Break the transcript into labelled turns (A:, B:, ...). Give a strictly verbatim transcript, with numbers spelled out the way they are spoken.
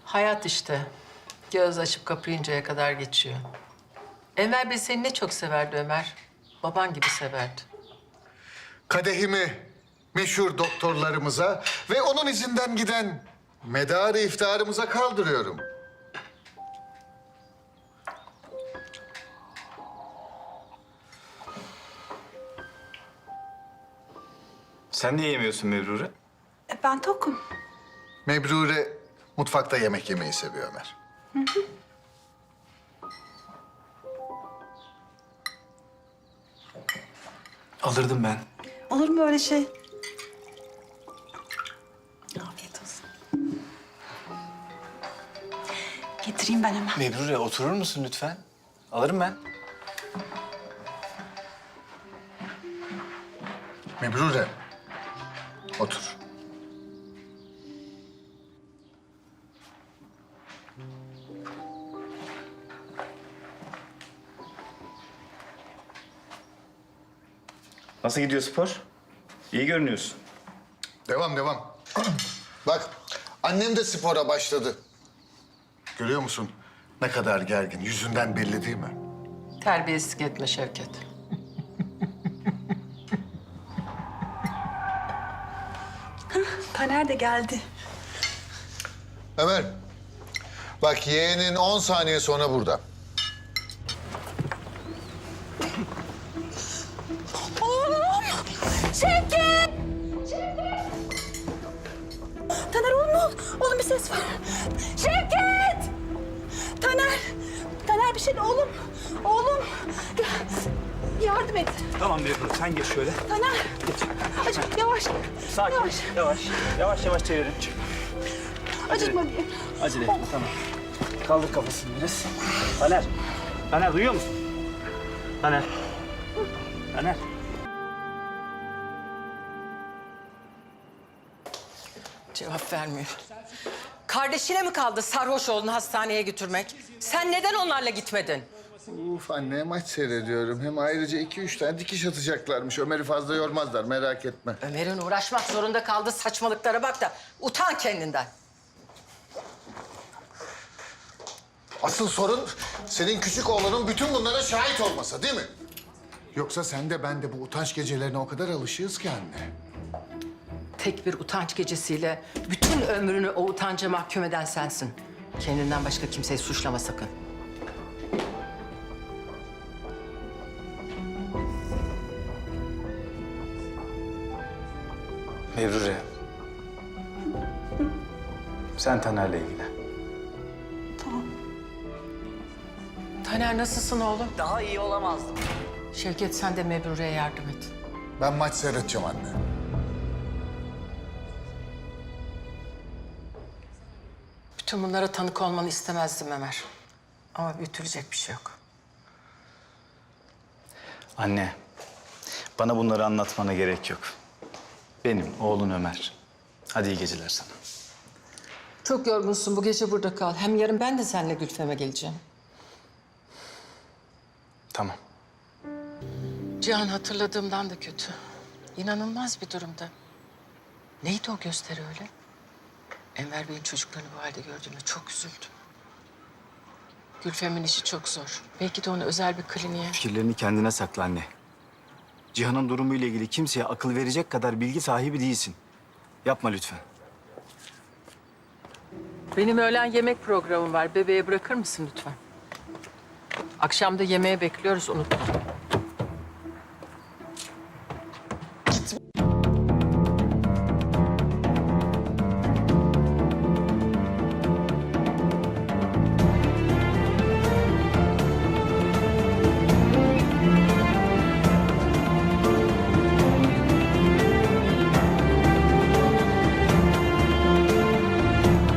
A: Hayat işte. Göz açıp kapayıncaya kadar geçiyor. Enver Bey seni ne çok severdi Ömer. Baban gibi severdi.
B: Kadehimi meşhur doktorlarımıza ve onun izinden giden medarı iftiharımıza kaldırıyorum.
C: Sen niye yemiyorsun Mebrure?
D: E, ben tokum.
B: Mebrure mutfakta yemek yemeyi seviyor Ömer.
C: Alırdım ben.
D: Olur mu öyle şey? Afiyet olsun. Getireyim ben hemen.
C: Mebrure oturur musun lütfen? Alırım ben.
B: Mebrure, otur.
C: Nasıl gidiyor spor? İyi görünüyorsun.
B: Devam, devam. Bak, annem de spora başladı. Görüyor musun? Ne kadar gergin. Yüzünden belli değil mi?
A: Terbiyesizlik etme Şevket.
D: Taner de geldi.
B: Ömer, bak yeğenin on saniye sonra burada.
D: Oğlum! Şevket! Şevket! Taner oğlum ne oldu? Oğlum bir ses var. Şevket! Taner! Taner bir şey de oğlum. Oğlum! Yardım et.
C: Tamam Mebrure sen geç şöyle.
D: Taner! Acık yavaş.
C: Sakin.
D: Yavaş.
C: Yavaş. Yavaş yavaş çevirin.
D: Acıtma diye.
C: Acele etme tamam. Kaldır kafasını biraz. Taner. Taner duyuyor musun? Taner. Taner.
A: Cevap vermiyor. Kardeşine mi kaldı sarhoş oğlunu hastaneye götürmek? Sen neden onlarla gitmedin?
B: Uf anne maç seyrediyorum. Hem ayrıca iki üç tane dikiş atacaklarmış. Ömer'i fazla yormazlar merak etme.
A: Ömer'in uğraşmak zorunda kaldığı saçmalıklara bak da utan kendinden.
B: Asıl sorun senin küçük oğlanın bütün bunlara şahit olmasa değil mi? Yoksa sen de ben de bu utanç gecelerine o kadar alışığız ki anne.
A: Tek bir utanç gecesiyle bütün ömrünü o utanca mahkum eden sensin. Kendinden başka kimseyi suçlama sakın.
C: Mebrure. Sen Taner'le ilgilen.
D: Tamam.
A: Taner nasılsın oğlum?
E: Daha iyi olamazdım.
A: Şevket sen de Mebrure'ye yardım et.
B: Ben maç seyredeceğim anne.
A: Bütün bunlara tanık olmanı istemezdim Ömer. Ama büyütülecek bir şey yok.
C: Anne. Bana bunları anlatmana gerek yok. Benim oğlun Ömer. Hadi iyi geceler sana.
A: Çok yorgunsun. Bu gece burada kal. Hem yarın ben de seninle Gülfem'e geleceğim.
C: Tamam.
A: Cihan hatırladığımdan da kötü. İnanılmaz bir durumda. Neydi o gösteri öyle? Enver Bey'in çocuklarını bu halde gördüğümde çok üzüldüm. Gülfem'in işi çok zor. Belki de onu özel bir kliniğe...
C: Fikirlerini kendine sakla anne. Cihan'ın durumuyla ilgili kimseye akıl verecek kadar bilgi sahibi değilsin. Yapma lütfen.
A: Benim öğlen yemek programım var. Bebeğe bırakır mısın lütfen? Akşam da yemeğe bekliyoruz, unutma.